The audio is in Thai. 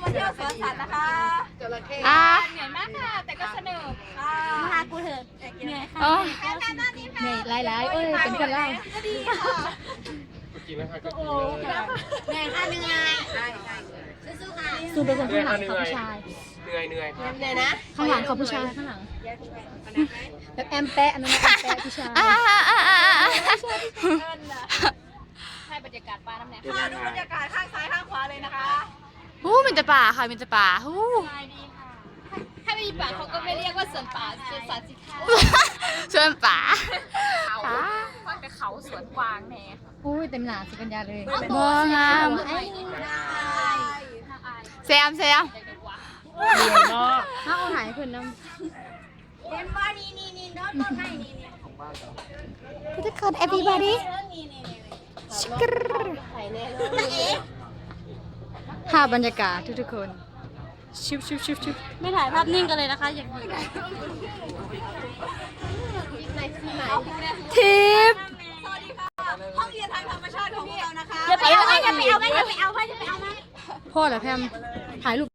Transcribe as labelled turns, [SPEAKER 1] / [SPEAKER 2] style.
[SPEAKER 1] เที่ยวสวนสัตว์นะคะเหนื่อยมากค่ะแต่ก็สนุกค่ะมาหากูเถอะเหนื่อยค่ะเหนื่อยหลายๆเป็นกันเล่าก็ดีค่ะ
[SPEAKER 2] กินแล้วค่ะก็กิน
[SPEAKER 1] เหนื่อยค่ะเหนื่อยสู้ๆค่ะสู้เป็นคนข้างหลังเขาผู้ชาย
[SPEAKER 2] เหนื่อย
[SPEAKER 1] เหนื่อยนะข้างหลังเขาผู้ชายข้างหลังแบบแอมแปะอันนั้นแอมแปะผู้ชายให้บรรยากาศปลาน้ำแหนมค่ะดูบรรยากาศข้างซ้ายข้างขวาเลยนะคะ
[SPEAKER 3] มีแต่ป่าค่ะมีแต่ป่า
[SPEAKER 1] ถ้าไม่มีป่าเขาก็ไม่เรียกว่าสวนป่าสวนสัตว์สิคะ
[SPEAKER 3] ชวนป่า
[SPEAKER 1] ฟังแต่เขาสวนกวางแน่เต็มหนาสิปัญญาเลย
[SPEAKER 3] บ่งามแซม
[SPEAKER 2] เหนื่อยมาก
[SPEAKER 1] ถ้าเอาหายคนน้ำเห็นว่านี่น้องต้นไม้นี่
[SPEAKER 3] ทุกคน everybody ภาพบรรยากาศทุกคนชิบ
[SPEAKER 1] ไม่ถ่ายภาพนิ่งกันเลยนะคะอย่างนี้
[SPEAKER 3] ทิป
[SPEAKER 1] สวัสดีค่ะห้องเรียนทางธรรมชาติของพวกเรานะคะอย่าไปเอาไหมพ่อเหรอแพมถ่ายรูป